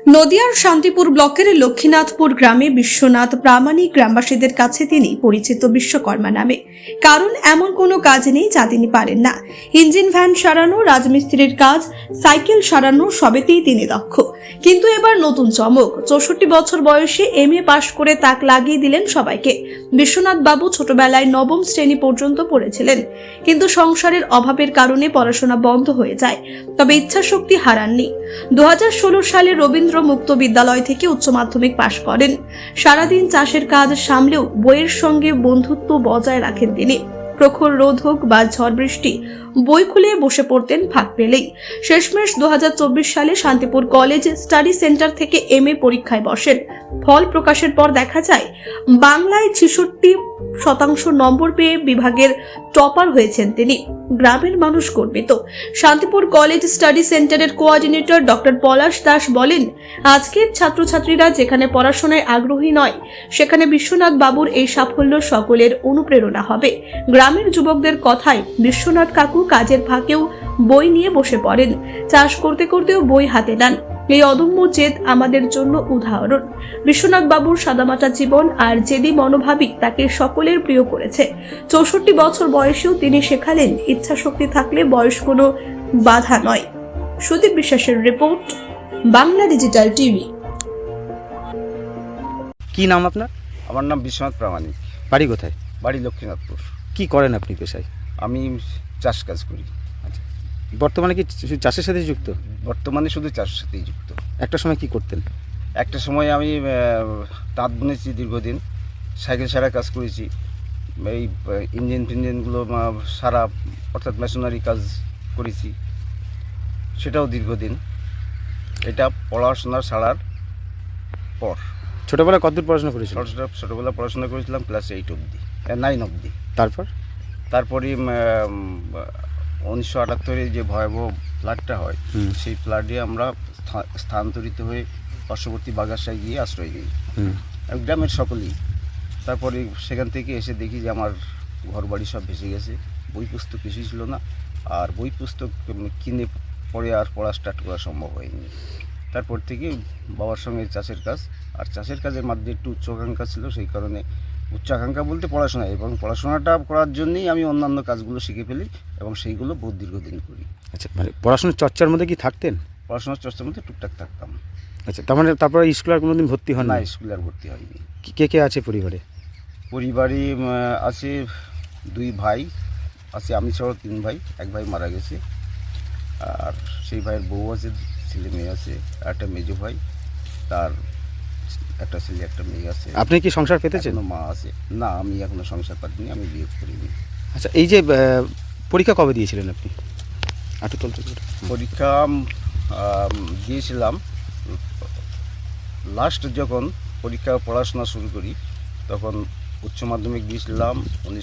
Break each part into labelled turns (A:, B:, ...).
A: নদিয়ার শান্তিপুর ব্লকের লক্ষ্মীনাথপুর গ্রামে বিশ্বনাথ প্রামাণিক গ্রামবাসীদের কাছে তিনি পরিচিত বিশ্বকর্মা নামে। কারণ এমন কোনো কাজ নেই যা তিনি পারেন না। ইঞ্জিন ভ্যান সারানো, রাজমিস্ত্রির কাজ, সাইকেল সারানো সবেতেই তিনি দক্ষ। কিন্তু এবার নতুন চমক, 64 বছর বয়সে MA পাশ করে তাক লাগিয়ে দিলেন সবাইকে। বিশ্বনাথ বাবু ছোটবেলায় নবম শ্রেণী পর্যন্ত পড়েছিলেন, কিন্তু সংসারের অভাবের কারণে পড়াশোনা বন্ধ হয়ে যায়। তবে ইচ্ছাশক্তি হারাননি। 2016 সালে রবীন্দ্র মুক্ত বিদ্যালয় থেকে উচ্চ মাধ্যমিক পাশ করেন। সারাদিন চাষের কাজ সামলেও বইয়ের সঙ্গে বন্ধুত্ব বজায় রাখেন তিনি। প্রখর রোদ হোক বা ঝড় বৃষ্টি, বই খুলে বসে পড়তেন ফাঁক পেলেই। শেষমেশ 2024 সালে শান্তিপুর কলেজ স্টাডি সেন্টার থেকে MA পরীক্ষায় বসেন। ফল প্রকাশের পর দেখা যায় বাংলায় 66% নম্বর পেয়ে বিভাগের টপার হয়েছেন তিনি। গ্রামের মানুষ গর্বিত। শান্তিপুর কলেজ স্টাডি সেন্টারের কোঅর্ডিনেটর ডক্টর পলাশ দাস বলেন, আজকের ছাত্রছাত্রীরা যেখানে পড়াশোনায় আগ্রহী নয়, সেখানে বিশ্বনাথ বাবুর এই সাফল্য সকলের অনুপ্রেরণা হবে। গ্রামের যুবকদের কথায় বিশ্বনাথ কাকু কাজের ফাঁকেও বই নিয়ে বসে পড়েন, চাষ করতে করতেও বই হাতে নেন। এই অদম্য জেদ আমাদের জন্য উদাহরণ। বিশ্বনাথ বাবুর সাদামাটা জীবন আর জেদি মনোভাবই তাকে সকলের প্রিয় করেছে। 64 বছর বয়সেও তিনি শেখালেন, ইচ্ছা শক্তি থাকলে বয়স কোনো বাধা নয়। সুদীপ বিশ্বাসের রিপোর্ট, বাংলা ডিজিটাল টিভি।
B: কি নাম আপনার?
C: আমার নাম বিশ্বনাথ প্রামাণিক।
B: বাড়ি কোথায়?
C: বাড়ি লক্ষ্মীনাথপুর।
B: কি করেন আপনি পেশায়?
C: আমি চাষ কাজ করি।
B: আচ্ছা, বর্তমানে কি চাষের সাথে যুক্ত?
C: বর্তমানে শুধু চাষের সাথেই যুক্ত।
B: একটা সময় কি করতেন?
C: একটা সময় আমি তাঁত বুনেছি দীর্ঘদিন, সাইকেল সারা কাজ করেছি, এই ইঞ্জিন ফিঞ্জিনগুলো সারা অর্থাৎ মেশিনারি কাজ করেছি, সেটাও দীর্ঘদিন। এটা পড়াশোনা ছাড়ার পর।
B: ছোটবেলায় কতদূর পড়াশোনা করেছিলেন?
C: ছোটোবেলা পড়াশোনা করেছিলাম ক্লাস 8 অবধি, 9 অবধি। তারপরে 1978 যে ভয়াবহ ফ্লাডটা হয়, সেই ফ্লাডে আমরা স্থানান্তরিত হয়ে পার্শ্ববর্তী বাগাসায় গিয়ে আশ্রয় নিই, গ্রামের সকলেই। তারপরে সেখান থেকে এসে দেখি যে আমার ঘর বাড়ি সব ভেসে গেছে, বই পুস্তক কিছুই ছিল না, আর বই পুস্তক কিনে পড়ে আর পড়া স্টার্ট করা সম্ভব হয়নি। তারপর থেকে বাবার সঙ্গে চাষের কাজ, আর চাষের কাজের মধ্যে একটু উচ্চাকাঙ্ক্ষা ছিল, সেই কারণে উচ্চাকাঙ্ক্ষা বলতে পড়াশোনা, এবং পড়াশোনাটা করার জন্যই আমি অন্যান্য কাজগুলো শিখে ফেলি এবং সেইগুলো বহুত দীর্ঘদিন করি।
B: আচ্ছা, মানে পড়াশোনার চর্চার মধ্যে কি থাকতেন?
C: পড়াশোনার চর্চার মধ্যে টুকটাক থাকতাম।
B: আচ্ছা, তার মানে তারপরে স্কুলে আর কোনোদিন ভর্তি হন
C: না?
B: না?
C: স্কুলে আর ভর্তি হয়নি।
B: কে কে আছে পরিবারে?
C: পরিবারে আছে 2 ভাই আছে, আমি ছাড়াও 3 ভাই। এক ভাই মারা গেছে, আর সেই ভাইয়ের বউ আছে, ছেলে মেয়ে আছে, আর একটা মেজো ভাই, তার একটা ছেলে একটা মেয়ে আছে।
B: আপনি কি সংসার পেতেছেন?
C: মা আছে না, আমি এখনো সংসার পাইনি, আমি বিয়ে করিনি।
B: আচ্ছা, এই যে পরীক্ষা কবে দিয়েছিলেন আপনি?
C: পরীক্ষা দিয়েছিলাম লাস্ট যখন পরীক্ষা পড়াশোনা শুরু করি, তখন উচ্চ মাধ্যমিক দিয়েছিলাম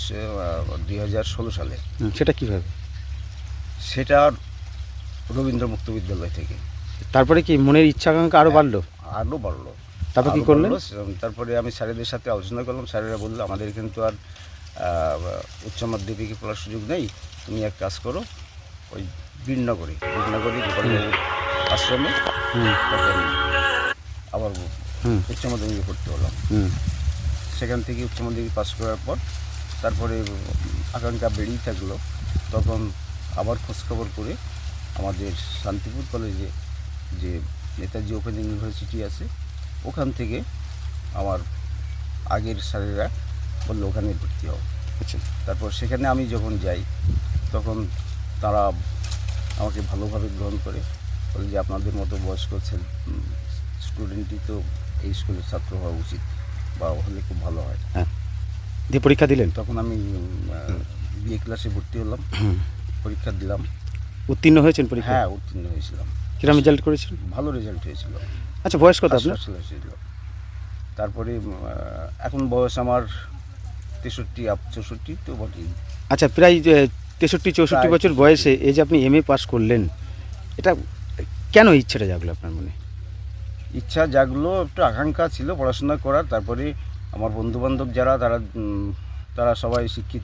C: 2016 সালে।
B: সেটা কীভাবে?
C: সেটা রবীন্দ্র মুক্ত বিদ্যালয় থেকে।
B: তারপরে কি মনের ইচ্ছা আকাঙ্ক্ষা আরও বাড়লো?
C: আরও বাড়লো।
B: তারপর কী করলেন?
C: তারপরে আমি স্যারেদের সাথে আলোচনা করলাম। স্যারেরা বললো, আমাদের কিন্তু আর উচ্চ মাধ্যমিকে পড়ার সুযোগ নেই, তুমি এক কাজ করো, ওই বীরনগরে গোপালের আশ্রমে তখন আবার উচ্চ মাধ্যমিকে পড়তে হলাম। সেখান থেকে উচ্চ মাধ্যমিক পাস করার পর তারপরে আকাঙ্ক্ষা বেড়েই থাকলো। তখন আবার খোঁজখবর করে আমাদের শান্তিপুর কলেজে যে নেতাজি ওপেন ইউনিভার্সিটি আছে, ওখান থেকে আমার আগের স্যারেরা বললো ওখানে ভর্তি হও। আচ্ছা, তারপর সেখানে আমি যখন যাই, তখন তারা আমাকে ভালোভাবে গ্রহণ করে, বলে যে আপনাদের মতো বয়স্ক স্টুডেন্টই তো এই স্কুলের ছাত্র হওয়া উচিত, বা হলে খুব ভালো হয়।
B: হ্যাঁ, দিয়ে পরীক্ষা দিলেন?
C: তখন আমি বিএ ক্লাসে ভর্তি হলাম, পরীক্ষা দিলাম।
B: উত্তীর্ণ হয়েছেন পরীক্ষা?
C: হ্যাঁ, উত্তীর্ণ হয়েছিলাম।
B: কিরকম রেজাল্ট করেছেন?
C: ভালো রেজাল্ট হয়েছিল।
B: আচ্ছা, বয়স কত আপনার?
C: তারপরে এখন বয়স আমার 63-64 তো বটেই।
B: আচ্ছা, প্রায় 63-64 বছর বয়সে এই যে আপনি MA পাস করলেন, এটা কেন ইচ্ছাটা জাগলো আপনার মনে?
C: ইচ্ছা জাগলো, একটু আকাঙ্ক্ষা ছিল পড়াশোনা করার। তারপরে আমার বন্ধুবান্ধব যারা, তারা সবাই শিক্ষিত।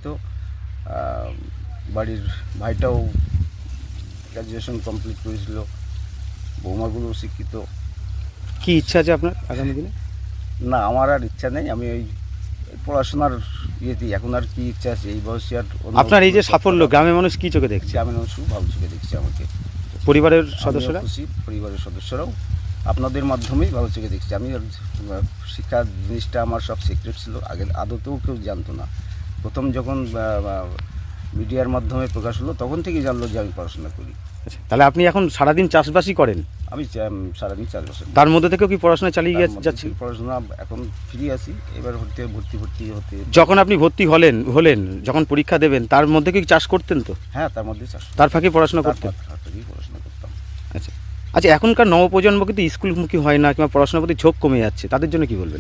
C: বাড়ির ভাইটাও গ্র্যাজুয়েশন কমপ্লিট করেছিল, বৌমাগুলোও শিক্ষিত।
B: কি ইচ্ছা আছে আপনার আগামী দিনে?
C: না, আমার আর ইচ্ছা নেই। আমি ওই পড়াশোনার ইয়েতেই এখন আর কি ইচ্ছা আছে এই বয়সে আর অন্য
B: আপনার এই যে
C: কোনো
B: সাফল্য
C: সত্তা-
B: গ্রামের মানুষ কি চোখে দেখছে?
C: গ্রামের মানুষ খুব ভালো চোখে দেখছে আমাকে।
B: পরিবারের
C: আমিও
B: সদস্যরা?
C: খুশি, পরিবারের সদস্যরাও আপনাদের মাধ্যমেই ভালো চোখে দেখছে। আমি আর শিক্ষা জিনিসটা আমার সব সিক্রেট ছিল, আগে আদতেও কেউ জানতো না। প্রথম যখন মিডিয়ার মাধ্যমে প্রকাশ হলো তখন থেকেই জানলো যে আমি পড়াশোনা করি।
B: আচ্ছা, তাহলে আপনি এখন সারাদিন চাষবাসই করেন?
C: আমি সারাদিন 4 বছর
B: তার মধ্যে থেকেও কি পড়াশোনা চালিয়ে যাচ্ছে?
C: পড়াশোনা এখন ফ্রি আছি, এবার ভর্তি হতে।
B: যখন আপনি ভর্তি হলেন যখন পরীক্ষা দেবেন তার মধ্যে কি চাষ করতেন তো?
C: হ্যাঁ, তার মধ্যে চাষ,
B: তার ফাঁকে পড়াশোনা করতেন?
C: তারপরেই পড়াশোনা করতাম।
B: আচ্ছা আচ্ছা, এখনকার নবপ্রজন্ম কিন্তু স্কুলমুখী হয় না কিংবা পড়াশোনার প্রতি ঝোঁক কমে যাচ্ছে, তাদের জন্য কি বলবেন?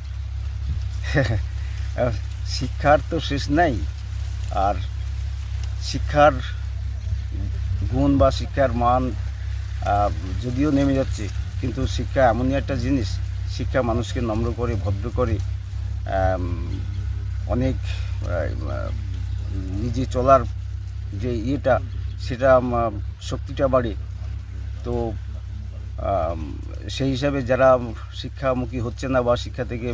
C: শিক্ষার তো শেষ নাই, আর শিক্ষার গুণ বা শিক্ষার মান যদিও নেমে যাচ্ছে, কিন্তু শিক্ষা এমনই একটা জিনিস, শিক্ষা মানুষকে নম্র করে, ভদ্র করে, অনেক নিজে চলার যে ইয়েটা, সেটা শক্তিটা বাড়ে। তো সেই হিসাবে যারা শিক্ষামুখী হচ্ছে না বা শিক্ষা থেকে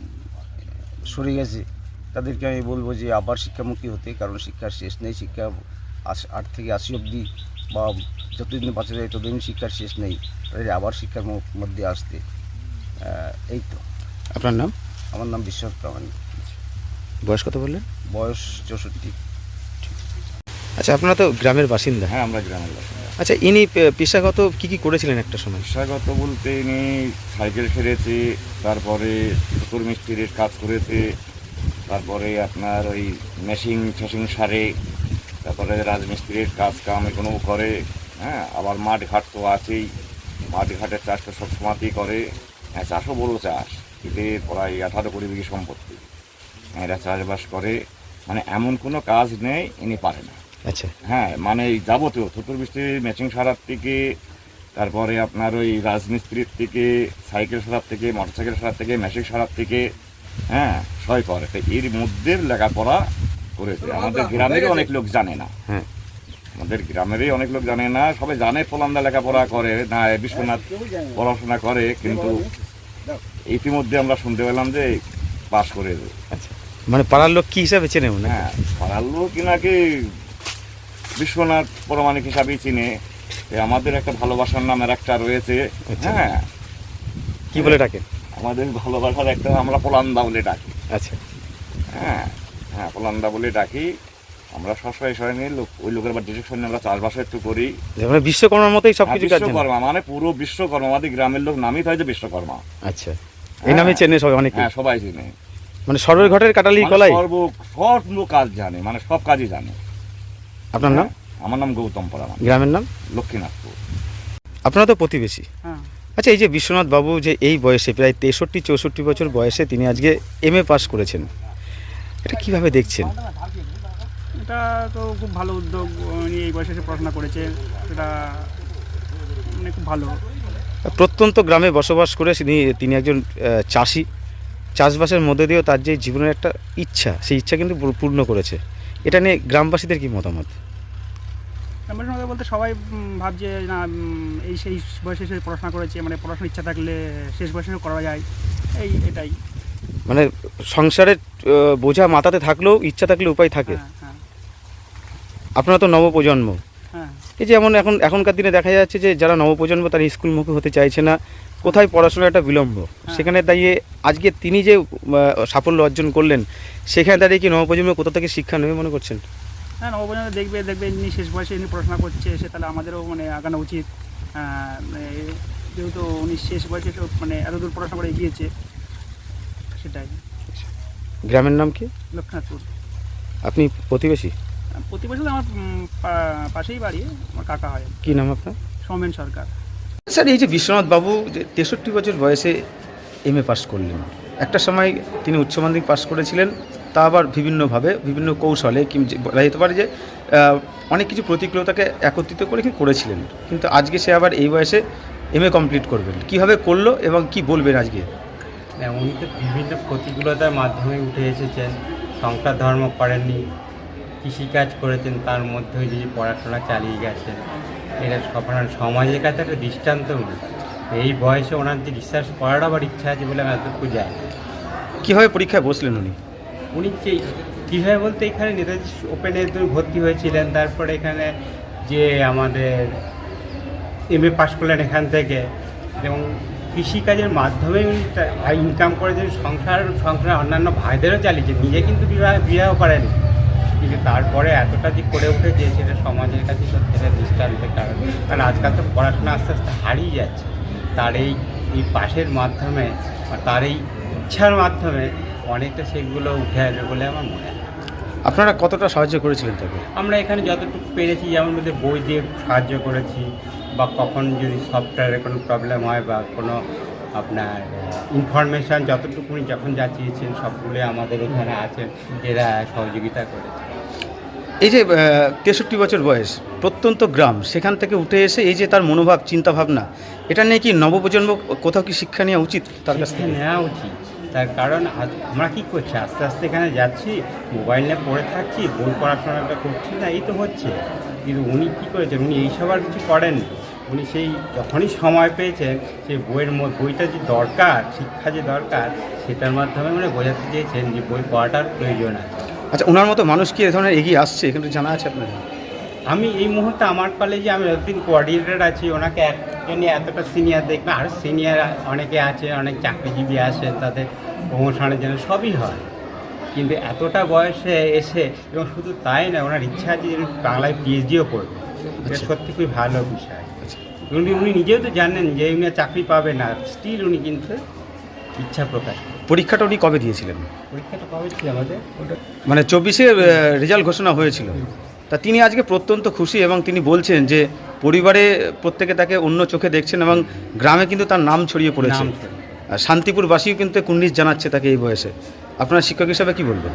C: সরে গেছে, তাদেরকে আমি বলবো যে আবার শিক্ষামুখী হতে, কারণ শিক্ষার শেষ নেই। শিক্ষা 8 থেকে 80 অবধি বা যতদিন বাঁচা যায় ততদিন শিক্ষার শেষ নেই, তাদের আবার শিক্ষার মধ্যে আসতে। এই তো।
B: আপনার নাম?
C: আমার নাম বিশ্বনাথ প্রামাণিক।
B: বয়স কত বললেন?
C: বয়স 64।
B: আচ্ছা, আপনারা তো গ্রামের বাসিন্দা।
D: হ্যাঁ, আমরা গ্রামের বাসিন্দা।
B: আচ্ছা, ইনি পেশাগত কি করেছিলেন একটা সময়?
D: পেশাগত বলতে ইনি সাইকেল সেরেছে, তারপরে সুতোর মিস্ত্রির কাজ করেছে, তারপরে আপনার ওই মেশিন সারে, তারপরে রাজমিস্ত্রির কাজ কাম এগুলো করে। হ্যাঁ, আবার মাঠ ঘাট তো আছেই, মাঠ ঘাটের চাষ তো সব সময়তেই করে। হ্যাঁ, চাষও বড় চাষ, এতে প্রায় 18 কোটি বিঘি সম্পত্তি। এরা চাষবাস করে, মানে এমন কোনো কাজ নেই ইনি পারে না।
B: আচ্ছা,
D: হ্যাঁ, মানে এই যাবতীয় থুতুর মিস্ত্রির মেশিন সারার থেকে, তারপরে আপনার ওই রাজমিস্ত্রির থেকে, সাইকেল সারার থেকে, মোটরসাইকেল সারার থেকে, মেশিন সারার থেকে, হ্যাঁ সবাই করে। তো এর মধ্যে লেখাপড়া করেছে। আমাদের গ্রামেরই অনেক লোক জানে না।
B: হ্যাঁ,
D: আমাদের গ্রামেরই অনেক লোক জানে না, সবাই জানে পোলান্দা লেখাপড়া করে না, বিশ্বনাথ পড়াশোনা করে, কিন্তু ইতিমধ্যে আমরা শুনতে পেলাম যে পাশ করে।
B: আচ্ছা, মানে পাড়ার লোক কি হিসাবে চেনে মনে?
D: হ্যাঁ, পাড়ার লোক নাকি বিশ্বনাথ পরমাণিক হিসাবেই চিনে। আমাদের একটা ভালোবাসার নামের একটা রয়েছে।
B: আচ্ছা।
D: হ্যাঁ,
B: কি বলে ডাকেন?
D: আমাদের ভালোবাসার একটা আমরা পোলান্দা বলে ডাকি।
B: আচ্ছা,
D: হ্যাঁ হ্যাঁ, পোলান্দা বলে ডাকি আমরা। সবসময় নিয়ে লোক, ওই লোকের বা ডিরেকশন নিয়ে আমরা চাষবাস একটু করি।
B: মানে বিশ্বকর্মার মতোই সবকিছু কাজ জানেন?
D: বিশ্বকর্মা মানে পুরো বিশ্বকর্মা, আমাদের গ্রামের লোক নামই হয় যে বিশ্বকর্মা।
B: আচ্ছা, এই নামে চেনে সবাই অনেকে?
D: হ্যাঁ, সবাই চিনে।
B: মানে সর্বের ঘটের কাটালি
D: মানে
B: কলাই?
D: সর্ব কাজ জানে, মানে সব কাজই জানে।
B: আপনার নাম?
D: আমার নাম গৌতম পরামান,
B: গ্রামের নাম?
D: লক্ষ্মীনাথপুর।
B: আপনারা তো প্রতিবেশী।
E: হ্যাঁ,
B: আচ্ছা, এই যে বিশ্বনাথ বাবু যে এই বয়সে প্রায় 63-64 বছর বয়সে তিনি আজকে MA পাস করেছেন, এটা কিভাবে দেখছেন?
E: এটা তো খুব ভালো উদ্যোগ। উনি এই বয়সে এসে পড়াশোনা করেছে, এটা মানে খুব ভালো।
B: প্রত্যন্ত গ্রামে বসবাস করে তিনি একজন চাষি। চাষবাসের মধ্যে দিয়েও তার যে জীবনের একটা ইচ্ছা, সেই ইচ্ছা কিন্তু পূর্ণ করেছে। এটা নিয়ে গ্রামবাসীদের কি মতামত?
E: আমার মধ্যে বলতে সবাই ভাবছে না, এই সেই বয়সে এসে পড়াশোনা করেছে, মানে পড়াশোনার ইচ্ছা থাকলে শেষ বয়সে করা যায়, এটাই।
B: মানে সংসারের বোঝা মাথাতে থাকলেও ইচ্ছা থাকলে উপায় থাকে।
E: হ্যাঁ, হ্যাঁ,
B: আপনারা তো নবপ্রজন্ম।
E: হ্যাঁ,
B: এই যে এখনকার দিনে দেখা যাচ্ছে যে যারা নবপ্রজন্ম তারা স্কুলমুখী হতে চাইছে না, কোথায় পড়াশোনার একটা বিলম্ব, সেখানে দাঁড়িয়ে আজকে তিনি যে সাফল্য অর্জন করলেন, সেখানে দাঁড়িয়ে কি নবপ্রজন্ম কোথা থেকে শিক্ষা নেবে মনে করছেন?
E: হ্যাঁ, নবপ্রজন্ম দেখবে ইনি শেষ বয়সে ইনি পড়াশোনা করছে, সে তাহলে আমাদেরও মানে আগানো উচিত। যেহেতু উনি শেষ বয়সে মানে এতদূর পড়াশোনা করে এগিয়েছে, সেটাই।
B: গ্রামের নাম কি?
E: লক্ষ্মীনাথপুর।
B: আপনি প্রতিবেশী?
E: প্রতি বছর আমার পাশেই বাড়ি, আমার কাকা হয়।
B: কি নাম আপনার?
E: সৌমেন সরকার।
B: স্যার, এই যে বিশ্বনাথ বাবু যে 63 বছর বয়সে MA পাস করলেন, একটা সময় তিনি উচ্চ মাধ্যমিক পাস করেছিলেন, তা আবার বিভিন্নভাবে বিভিন্ন কৌশলে বলা যেতে পারে যে অনেক কিছু প্রতিকূলতাকে একত্রিত করে করেছিলেন, কিন্তু আজকে সে আবার এই বয়সে MA কমপ্লিট করবেন। কিভাবে করলো এবং কি বলবেন আজকে?
F: উনি তো বিভিন্ন প্রতিকূলতার মাধ্যমে উঠে এসেছেন, সংসার ধর্ম করেননি, কৃষিকাজ করেছেন, তার মধ্যে দিয়ে পড়াশোনা চালিয়ে গেছেন। এটা সমাজের কাছে একটা দৃষ্টান্ত উনি। এই বয়সে ওনার যে রিসার্চ করার আবার ইচ্ছা আছে বলে আমি এতটুকু যাই।
B: কীভাবে পরীক্ষায় বসলেন উনি?
F: উনি যে কীভাবে বলতে এখানে নেতাজি ওপেনে ভর্তি হয়েছিলেন, তারপরে এখানে যে আমাদের MA পাস করলেন এখান থেকে, এবং কৃষিকাজের মাধ্যমে উনি ইনকাম করেছেন, সংসার অন্যান্য ভাইদেরও চালিয়েছেন, নিজে কিন্তু বিবাহ করেনি, কিন্তু তারপরে এতটা যে করে উঠেছে সেটা সমাজের কাছে সত্যি একটা দৃষ্টান্তের কারণ। কারণ আজকাল তো পড়াশোনা আস্তে আস্তে হারিয়ে যাচ্ছে, তার এই পাশের মাধ্যমে বা তার এই ইচ্ছার মাধ্যমে অনেকটা সেগুলো উঠে আসবে বলে আমার মনে হয়।
B: আপনারা কতটা সাহায্য করেছিলেন তাকে?
F: আমরা এখানে যতটুকু পেরেছি, যেমন মধ্যে বই দিয়ে সাহায্য করেছি, বা কখন যদি সফটওয়্যারের কোনো প্রবলেম হয় বা কোনো আপনার ইনফরমেশান যতটুকু উনি যখন যা চেয়েছেন সবগুলো আমাদের এখানে আছেন, এরা সহযোগিতা করেছে।
B: এই যে 63 বছর বয়স, প্রত্যন্ত গ্রাম, সেখান থেকে উঠে এসে এই যে তার মনোভাব, চিন্তাভাবনা, এটা নিয়ে কি নবপ্রজন্ম কোথাও কি শিক্ষা নেওয়া উচিত তার কাছ থেকে?
F: নেওয়া উচিত, তার কারণ আমরা কী করছি, আস্তে আস্তে এখানে যাচ্ছি, মোবাইল নিয়ে পড়ে থাকছি, বই পড়াশোনাটা করছি না, এই তো হচ্ছে। কিন্তু উনি কী করেছেন, উনি এইসব আর কিছু করেন। উনি সেই যখনই সময় পেয়েছেন সেই বইটা যে দরকার, শিক্ষা যে দরকার, সেটার মাধ্যমে উনি বোঝাতে চেয়েছেন যে বই পড়াটার প্রয়োজন আছে।
B: আচ্ছা, ওনার মতো মানুষ কি এ ধরনের এগিয়ে আসছে, এখানে জানা আছে আপনার?
F: আমি এই মুহূর্তে আমার কলেজে আমি যতদিন কোঅর্ডিনেটর আছি, ওনাকে একজনই এতটা সিনিয়র দেখবে, আর সিনিয়র অনেকে আছে, অনেক চাকরিজীবী আছে, তাদের প্রমোশনের জন্য সবই হয়, কিন্তু এতটা বয়সে এসে, এবং শুধু তাই না, ওনার ইচ্ছা আছে যে বাংলায় PhDও করবে। এটা সত্যি খুবই ভালো বিষয়। উনি নিজেও তো জানেন যে উনি আর চাকরি পাবে না, স্টিল উনি কিন্তু ইচ্ছা প্রকাশ করেন।
B: পরীক্ষাটা উনি কবে দিয়েছিলেন?
F: পরীক্ষাটা কবে ছিল আমাদের?
B: মানে 24-এ রেজাল্ট ঘোষণা হয়েছিল, তা তিনি আজকে প্রত্যন্ত খুশি এবং তিনি বলছেন যে পরিবারে প্রত্যেকে তাকে অন্য চোখে দেখছেন এবং গ্রামে কিন্তু তার নাম ছড়িয়ে পড়েছে। আর শান্তিপুরবাসীও কিন্তু কুর্নিশ জানাচ্ছে তাকে এই বয়সে। আপনার শিক্ষক হিসাবে কি বলবেন?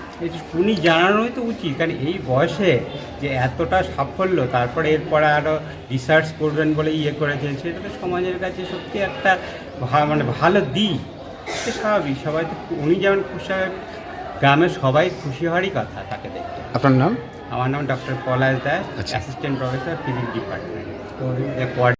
F: উনি জানানোই তো উচিত, কারণ এই বয়সে যে এতটা সাফল্য, তারপরে এরপরে আরও রিসার্চ করবেন বলে করেছেন, সেটা তো সমাজের কাছে সত্যি একটা মানে ভালো দিক। সে স্বাভাবিক, সবাই তো উনি যেমন খুশি হয়, গ্রামের সবাই খুশি হওয়ারই কথা তাকে দেখতে।
B: আপনার নাম?
F: আমার নাম ডক্টর পলাশ দাস,
B: আচ্ছা।
F: Assistant professor physics department.